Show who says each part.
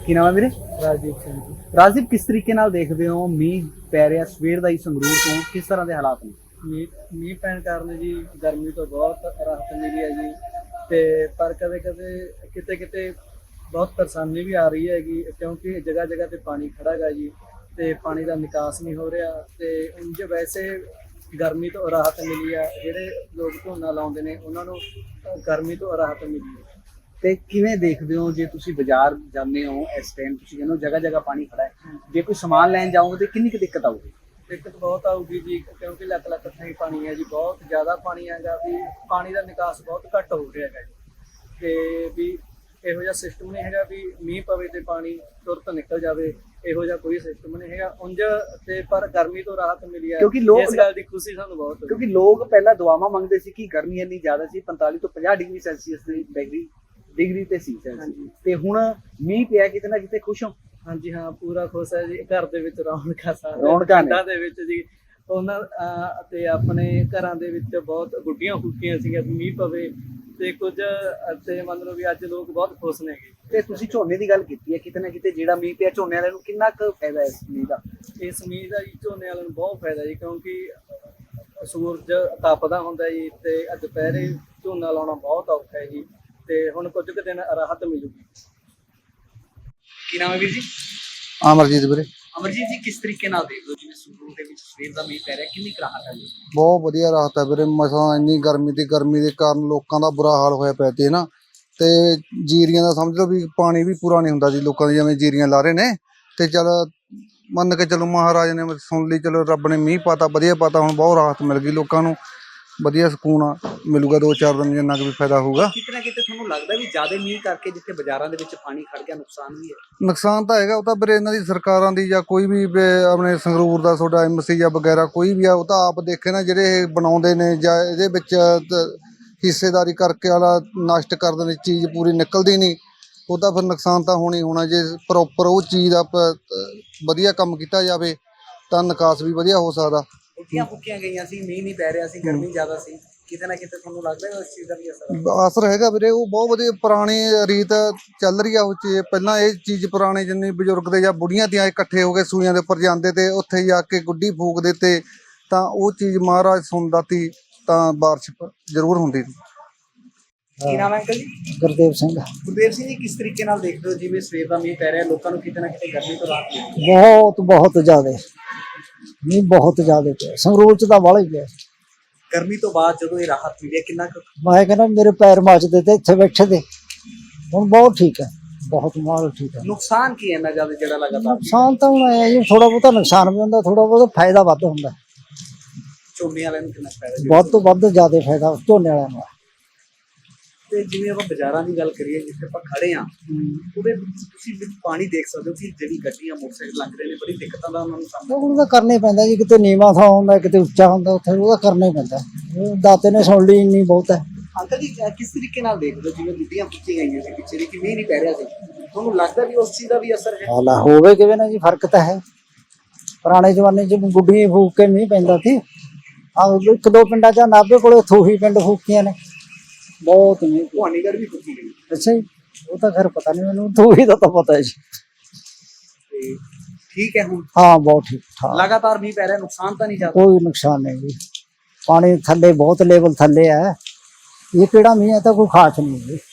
Speaker 1: ਕੀ ਨਾਮ ਹੈ ਵੀਰੇ?
Speaker 2: ਰਾਜਦੀਪ ਸਿੰਘ ਜੀ।
Speaker 1: ਰਾਜਦੀਪ, ਕਿਸ ਤਰੀਕੇ ਨਾਲ ਦੇਖਦੇ ਹੋ ਮੀਂਹ ਪੈ ਰਿਹਾ ਸਵੇਰ ਦਾ ਹੀ ਸੰਗਰੂਰ ਤੋਂ, ਕਿਸ ਤਰ੍ਹਾਂ ਦੇ ਹਾਲਾਤ ਨੇ?
Speaker 2: ਮੀਂਹ ਪੈਣ ਕਾਰਨ ਜੀ ਗਰਮੀ ਤੋਂ ਬਹੁਤ ਰਾਹਤ ਮਿਲੀ ਹੈ ਜੀ, ਤੇ ਪਰ ਕਦੇ ਕਦੇ ਕਿਤੇ ਕਿਤੇ ਬਹੁਤ ਪਰੇਸ਼ਾਨੀ ਵੀ ਆ ਰਹੀ ਹੈਗੀ, ਕਿਉਂਕਿ ਜਗ੍ਹਾ ਜਗ੍ਹਾ ਤੇ ਪਾਣੀ ਖੜਾ ਹੈਗਾ ਜੀ, ਤੇ ਪਾਣੀ ਦਾ ਨਿਕਾਸ ਨਹੀਂ ਹੋ ਰਿਹਾ। ਤੇ ਉਂਝ ਵੈਸੇ ਗਰਮੀ ਤੋਂ ਰਾਹਤ ਮਿਲੀ ਆ, ਜਿਹੜੇ ਲੋਕ ਝੋਨਾ ਲਾਉਂਦੇ ਨੇ ਉਹਨਾਂ ਨੂੰ ਗਰਮੀ ਤੋਂ ਰਾਹਤ ਮਿਲੀ ਹੈ।
Speaker 1: ਤੇ ਕਿਵੇਂ ਦੇਖਦੇ ਹੋ, ਜੇ ਤੁਸੀਂ ਬਾਜ਼ਾਰ ਜਾਂਦੇ ਹੋ ਇਸ ਟਾਈਮ, ਤੁਸੀਂ ਕਹਿੰਦੇ ਹੋ ਜਗ੍ਹਾ ਜਗ੍ਹਾ ਪਾਣੀ ਖੜਾ ਹੈ, ਜੇ ਕੋਈ ਸਮਾਨ ਲੈਣ ਜਾਓਗੇ ਤੇ ਕਿੰਨੀ ਕੁ ਦਿੱਕਤ ਆਊਗੀ?
Speaker 2: ਦਿੱਕਤ ਬਹੁਤ ਆਊਗੀ ਜੀ, ਕਿਉਂਕਿ ਲੱਖ ਲੱਖ ਥਾਈਂ ਪਾਣੀ ਹੈ ਜੀ, ਬਹੁਤ ਜ਼ਿਆਦਾ ਪਾਣੀ ਹੈਗਾ, ਵੀ ਪਾਣੀ ਦਾ ਨਿਕਾਸ ਬਹੁਤ ਘੱਟ ਹੋ ਰਿਹਾ ਹੈਗਾ ਜੀ। ਤੇ ਵੀ ਇਹੋ ਜਿਹਾ ਸਿਸਟਮ ਨਹੀਂ ਹੈਗਾ ਵੀ ਮੀਂਹ ਪਵੇ ਤੇ ਪਾਣੀ ਤੁਰਤ ਨਿਕਲ ਜਾਵੇ, ਇਹੋ ਜਿਹਾ ਕੋਈ ਸਿਸਟਮ ਨਹੀਂ ਹੈਗਾ ਉਂਝ। ਤੇ ਪਰ ਗਰਮੀ ਤੋਂ ਰਾਹਤ ਮਿਲੀ ਹੈ,
Speaker 1: ਕਿਉਂਕਿ ਲੋਕ
Speaker 2: ਇਸ ਗੱਲ ਦੀ ਖੁਸ਼ੀ ਸਾਨੂੰ ਬਹੁਤ ਹੋਈ।
Speaker 1: ਕਿਉਂਕਿ ਲੋਕ ਪਹਿਲਾਂ ਦੁਆਵਾਂ ਮੰਗਦੇ ਸੀ ਕਿ ਗਰਮੀ ਇੰਨੀ ਜ਼ਿਆਦਾ ਸੀ, 45 ਤੋਂ 50 ਡਿਗਰੀ ਸੈਲਸੀਅਸ ਦੀ ਡਿਗਰੀ ਤੇ ਸੀ
Speaker 2: ਹਾਂਜੀ।
Speaker 1: ਤੇ ਹੁਣ ਮੀਂਹ ਪਿਆ, ਕਿਤੇ ਨਾ ਕਿਤੇ ਖੁਸ਼ ਹੋ?
Speaker 2: ਹਾਂਜੀ ਹਾਂ, ਪੂਰਾ ਖੁਸ਼ ਹੈ ਜੀ। ਘਰ ਦੇ ਵਿੱਚ ਰੌਣਕਾਂ
Speaker 1: ਰੌਣਕਾਂ ਨੇ।
Speaker 2: ਪਿੰਡਾਂ ਦੇ ਵਿੱਚ ਜੀ, ਉਹਨਾਂ ਤੇ ਆਪਣੇ ਘਰਾਂ ਦੇ ਵਿੱਚ ਬਹੁਤ ਗੁੱਡੀਆਂ ਫੁੱਕੀਆਂ ਸੀਗੀਆਂ ਮੀਂਹ ਪਵੇ, ਤੇ ਕੁਝ ਤੇ ਮਤਲਬ ਵੀ ਅੱਜ ਲੋਕ ਬਹੁਤ ਖੁਸ਼ ਨੇਗੇ।
Speaker 1: ਤੇ ਤੁਸੀਂ ਝੋਨੇ ਦੀ ਗੱਲ ਕੀਤੀ ਹੈ, ਕਿਤੇ ਨਾ ਕਿਤੇ ਜਿਹੜਾ ਮੀਂਹ ਪਿਆ ਝੋਨੇ ਵਾਲਿਆਂ ਨੂੰ ਕਿੰਨਾ ਕੁ ਫਾਇਦਾ ਇਸ ਮੀਂਹ ਦਾ?
Speaker 2: ਇਸ ਮੀਂਹ ਦਾ ਜੀ ਝੋਨੇ ਵਾਲਿਆਂ ਨੂੰ ਬਹੁਤ ਫਾਇਦਾ ਜੀ, ਕਿਉਂਕਿ ਸੂਰਜ ਤਪਦਾ ਹੁੰਦਾ ਜੀ, ਤੇ ਦੁਪਹਿਰੇ ਝੋਨਾ ਲਾਉਣਾ ਬਹੁਤ ਔਖਾ ਹੈ ਜੀ, ਤੇ ਹੁਣ ਕੁਝ ਕੁ ਦਿਨ ਰਾਹਤ ਮਿਲੂਗੀ।
Speaker 1: ਕੀ ਨਾਮ ਹੈ ਵੀਰ ਜੀ?
Speaker 3: ਅਮਰਜੀਤ ਵੀਰੇ।
Speaker 1: ਅਮਰਜੀਤ ਜੀ, ਕਿਸ ਤਰੀਕੇ ਨਾਲ ਦੇਖਦੇ ਹੋ ਜਿਵੇਂ ਸੰਗਰੂਰ ਦੇ ਵਿੱਚ ਸਵੇਰ ਦਾ ਮੀਂਹ ਪੈ ਰਿਹਾ, ਕਿੰਨੀ ਕੁ ਰਾਹਤ ਹੈ ਜੀ?
Speaker 3: ਬਹੁਤ ਵਧੀਆ ਰਾਹਤ ਹੈ ਵੀਰੇ। ਮਸਾਂ ਇੰਨੀ ਗਰਮੀ ਦੇ ਕਾਰਨ ਲੋਕਾਂ ਦਾ ਬੁਰਾ ਹਾਲ ਹੋਇਆ ਪਿਆ ਤੇ ਨਾ, ਤੇ ਜੀਰੀਆਂ ਦਾ ਸਮਝ ਲਓ ਵੀ ਪਾਣੀ ਵੀ ਪੂਰਾ ਨਹੀਂ ਹੁੰਦਾ ਜੀ ਲੋਕਾਂ ਦੀ, ਜਿਵੇਂ ਜੀਰੀਆਂ ਲਾ ਰਹੇ ਨੇ। ਤੇ ਚਲ ਮੰਨ ਕੇ ਚਲੋ ਮਹਾਰਾਜ ਨੇ ਸੁਣ ਲਈ, ਚਲੋ ਰੱਬ ਨੇ ਮੀਂਹ ਪਾਤਾ, ਵਧੀਆ ਪਾਤਾ, ਹੁਣ ਬਹੁਤ ਰਾਹਤ ਮਿਲ ਗਈ ਲੋਕਾਂ ਨੂੰ, ਵਧੀਆ ਸਕੂਨ ਮਿਲੂਗਾ 2-4 ਦਿਨ, ਜਿੰਨਾ ਕੁ ਵੀ ਫਾਇਦਾ ਹੋਊਗਾ।
Speaker 1: ਕਿਤੇ ਨਾ ਕਿਤੇ ਤੁਹਾਨੂੰ ਲੱਗਦਾ ਵੀ ਜ਼ਿਆਦਾ ਮੀਂਹ ਕਰਕੇ ਜਿੱਥੇ ਬਾਜ਼ਾਰਾਂ ਦੇ ਵਿੱਚ ਪਾਣੀ ਖੜ ਗਿਆ, ਨੁਕਸਾਨ ਵੀ ਹੈ?
Speaker 3: ਨੁਕਸਾਨ ਤਾਂ ਹੈਗਾ, ਉਹ ਤਾਂ ਵੀਰੇ ਇਹਨਾਂ ਦੀ ਸਰਕਾਰਾਂ ਦੀ, ਜਾਂ ਕੋਈ ਵੀ ਆਪਣੇ ਸੰਗਰੂਰ ਦਾ ਤੁਹਾਡਾ MC ਜਾਂ ਵਗੈਰਾ ਕੋਈ ਵੀ ਆ, ਉਹ ਤਾਂ ਆਪ ਦੇਖੇ ਨਾ, ਜਿਹੜੇ ਇਹ ਬਣਾਉਂਦੇ ਨੇ ਜਾਂ ਇਹਦੇ ਵਿੱਚ ਹਿੱਸੇਦਾਰੀ ਕਰਕੇ ਵਾਲਾ ਨਸ਼ਟ ਕਰ ਦਿੰਦੇ, ਚੀਜ਼ ਪੂਰੀ ਨਿਕਲਦੀ ਨਹੀਂ, ਉਹ ਤਾਂ ਫਿਰ ਨੁਕਸਾਨ ਤਾਂ ਹੋਣਾ ਹੀ ਹੋਣਾ। ਜੇ ਪ੍ਰੋਪਰ ਉਹ ਚੀਜ਼ ਦਾ ਵਧੀਆ ਕੰਮ ਕੀਤਾ ਜਾਵੇ ਤਾਂ ਨਿਕਾਸ ਵੀ ਵਧੀਆ ਹੋ ਸਕਦਾ।
Speaker 1: ਉੱਠੀਆਂ ਫੁੱਕੀਆਂ ਗਈਆਂ ਸੀ, ਮੀਂਹ ਨਹੀਂ ਪੈ ਰਿਹਾ ਸੀ, ਗਰਮੀ ਜ਼ਿਆਦਾ ਸੀ, ਕਿਤੇ ਨਾ ਕਿਤੇ ਤੁਹਾਨੂੰ ਲੱਗਦਾ ਇਸ ਚੀਜ਼ ਦਾ ਵੀ ਅਸਰ?
Speaker 3: ਅਸਰ ਹੈਗਾ ਵੀਰੇ, ਉਹ ਬਹੁਤ ਵਧੀਆ ਪੁਰਾਣੀ ਰੀਤ ਚੱਲ ਰਹੀ ਆ ਉਹ ਚੀਜ਼। ਪਹਿਲਾਂ ਇਹ ਚੀਜ਼ ਪੁਰਾਣੇ ਜਿੰਨੇ ਬਜ਼ੁਰਗ ਦੇ ਜਾਂ ਬੁੜੀਆਂ ਦੀਆਂ ਇਕੱਠੇ ਹੋ ਕੇ ਸੂਈਆਂ ਦੇ ਉੱਪਰ ਜਾਂਦੇ ਤੇ ਉੱਥੇ ਜਾ ਕੇ ਗੁੱਡੀ ਫੂਕਦੇ ਤੇ, ਤਾਂ ਉਹ ਚੀਜ਼ ਮਹਾਰਾਜ ਸੁਣਦਾ ਤੀ, ਤਾਂ ਬਾਰਿਸ਼ ਜ਼ਰੂਰ ਹੁੰਦੀ ਸੀ।
Speaker 1: ਕੀ ਨਾਮ ਹੈ ਅੰਕਲ ਜੀ?
Speaker 4: ਗੁਰਦੇਵ ਸਿੰਘ।
Speaker 1: ਗੁਰਦੇਵ ਸਿੰਘ ਜੀ, ਕਿਸ ਤਰੀਕੇ ਨਾਲ ਦੇਖਦੇ ਹੋ ਜਿਵੇਂ ਸਵੇਰ ਦਾ ਮੀਂਹ ਪੈ ਰਿਹਾ, ਲੋਕਾਂ ਨੂੰ ਕਿਤੇ ਨਾ ਕਿਤੇ ਗਰਮੀ ਤੋਂ ਰਾਹਤ ਮਿਲੀ?
Speaker 4: ਬਹੁਤ ਜ਼ਿਆਦਾ ਮੀਂਹ, ਬਹੁਤ ਜ਼ਿਆਦਾ ਪਿਆ ਸੰਗਰੂਰ ਚ ਤਾਂ ਵਾਲਾ ਹੀ ਪਿਆ।
Speaker 1: ਗਰਮੀ ਤੋਂ ਬਾਅਦ ਜਦੋਂ ਇਹ ਰਾਹਤ ਮਿਲੀ ਹੈ, ਕਿੰਨਾ ਕੁ?
Speaker 4: ਮੈਂ ਕਹਿੰਦਾ ਮੇਰੇ ਪੈਰ ਮੱਚਦੇ ਤੇ ਇੱਥੇ ਬੈਠੇ ਤੇ, ਹੁਣ ਬਹੁਤ ਠੀਕ ਹੈ, ਬਹੁਤ ਮਾਲ ਠੀਕ ਹੈ।
Speaker 1: ਨੁਕਸਾਨ ਕੀ ਹੈ ਇੰਨਾ ਜ਼ਿਆਦਾ ਜਿਹੜਾ ਲਗਾਤਾਰ?
Speaker 4: ਨੁਕਸਾਨ ਤਾਂ ਹੁਣ ਹੈ ਜੀ, ਥੋੜਾ ਬਹੁਤਾ ਨੁਕਸਾਨ ਵੀ ਹੁੰਦਾ, ਥੋੜਾ ਬਹੁਤਾ ਫਾਇਦਾ ਵੱਧ ਹੁੰਦਾ।
Speaker 1: ਝੋਨੇ ਵਾਲਿਆਂ ਨੂੰ ਕਿੰਨਾ ਫਾਇਦਾ?
Speaker 4: ਵੱਧ ਤੋਂ ਵੱਧ ਜ਼ਿਆਦਾ ਫਾਇਦਾ ਝੋਨੇ ਵਾਲਿਆਂ ਨੂੰ।
Speaker 1: ਤੇ ਜਿਵੇਂ ਆਪਾਂ ਬਾਜ਼ਾਰਾਂ ਦੀ ਗੱਲ ਕਰੀਏ, ਜਿੱਥੇ ਆਪਾਂ ਖੜੇ ਆ, ਉਹਦੇ ਵਿੱਚ ਤੁਸੀਂ ਪਾਣੀ ਦੇਖ ਸਕਦੇ ਹੋ ਕਿ ਜਿਹੜੀ ਗੱਡੀਆਂ ਮੋਟਰਸਾਈਕਲ ਲੰਘ ਰਹੇ ਨੇ, ਬੜੀ ਦਿੱਕਤਾਂ ਦਾ ਉਹਨਾਂ ਨੂੰ ਸਾਹਮਣਾ
Speaker 4: ਉਹਦਾ ਕਰਨਾ ਹੀ ਪੈਂਦਾ ਜੀ, ਕਿਤੇ ਨੀਵਾਂ ਥਾਂ ਹੁੰਦਾ, ਕਿਤੇ ਉੱਚਾ ਹੁੰਦਾ, ਉੱਥੇ ਉਹਦਾ ਕਰਨਾ ਹੀ ਪੈਂਦਾ। ਦਾਤੇ ਨੇ ਸੁਣ ਲਈ, ਇੰਨੀ ਬਹੁਤ ਹੈ।
Speaker 1: ਅੰਕਲ ਜੀ, ਕਿਸ ਤਰੀਕੇ ਨਾਲ ਦੇਖਦੇ ਹੋ ਜਿਵੇਂ ਗੁੱਡੀਆਂ ਪੁੱਟੀਆਂ ਗਈਆਂ ਸੀ ਪਿੱਛੇ ਦੀ, ਕਿ ਮੀਂਹ ਨਹੀਂ ਪੈ ਰਿਹਾ ਸੀ, ਤੁਹਾਨੂੰ ਲੱਗਦਾ ਵੀ ਉਸ ਚੀਜ਼ ਦਾ ਵੀ ਅਸਰ ਹੈ?
Speaker 4: ਹਾਲਾ ਹੋਵੇ ਕਿਵੇਂ ਨਾ ਜੀ, ਫਰਕ ਤਾਂ ਹੈ। ਪੁਰਾਣੇ ਜ਼ਮਾਨੇ 'ਚ ਗੁੱਡੀਆਂ ਫੂਕ ਕੇ ਮੀਂਹ ਪੈਂਦਾ ਸੀ। ਇੱਕ ਦੋ ਪਿੰਡਾਂ 'ਚ ਨਾਭੇ ਕੋਲੇ ਥੂਹੀ ਪਿੰਡ ਫੂਕੀਆਂ ਨੇ, ਬਹੁਤ ਨਹੀਂ।
Speaker 1: ਭਵਾਨੀਗੜ੍ਹ ਵੀ ਫੁੱਕੀ ਗਈ?
Speaker 4: ਅੱਛਾ ਜੀ, ਉਹ ਤਾਂ ਖੈਰ ਪਤਾ ਨਹੀਂ ਮੈਨੂੰ, ਥੂਹੀ ਦਾ ਤਾਂ ਪਤਾ ਹੈ ਜੀ।
Speaker 1: ਤੇ ਠੀਕ ਹੈ ਹੁਣ?
Speaker 4: ਹਾਂ, ਬਹੁਤ ਠੀਕ ਠਾਕ,
Speaker 1: ਲਗਾਤਾਰ ਮੀਂਹ ਪੈ ਰਿਹਾ, ਨੁਕਸਾਨ ਤਾਂ ਨਹੀਂ ਜ਼ਿਆਦਾ?
Speaker 4: ਕੋਈ ਨੁਕਸਾਨ ਨਹੀਂ ਜੀ, ਪਾਣੀ ਥੱਲੇ ਬਹੁਤ ਲੈਵਲ ਥੱਲੇ ਹੈ। ਇਹ ਕਿਹੜਾ ਮੀਂਹ ਹੈ, ਤਾਂ ਕੋਈ ਖਾਸ ਨਹੀਂ ਜੀ।